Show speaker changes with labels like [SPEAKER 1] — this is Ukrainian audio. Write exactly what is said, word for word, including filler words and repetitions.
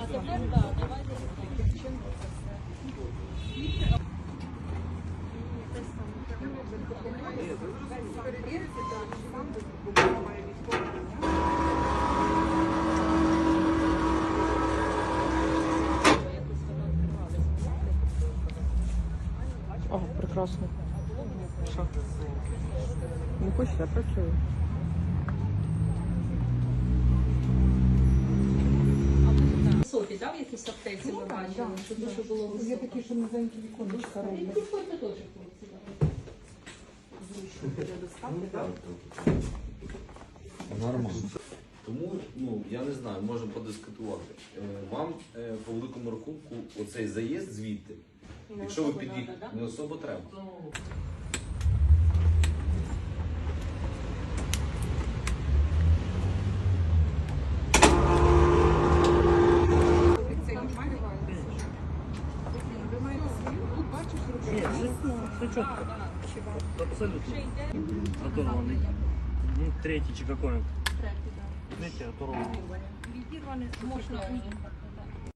[SPEAKER 1] О, прекрасно. Що? Не хочеш, я працюю.
[SPEAKER 2] Високі, так, в якісь аптеці ми бачили, що дуже було високо.
[SPEAKER 1] Є такі, що низенькі віконечка роблять.
[SPEAKER 2] Приходьте теж, хлопці.
[SPEAKER 3] Нормально. Тому, ну, я не знаю, можемо подискутувати. Е, Вам е, по великому рахунку оцей заїзд звідти, якщо ви під'їхали, не особо треба.
[SPEAKER 4] Все четко. Абсолютно. Оторванный. Третий чи какой? Третий, да. Третий оторванный.
[SPEAKER 2] Відірваний, можна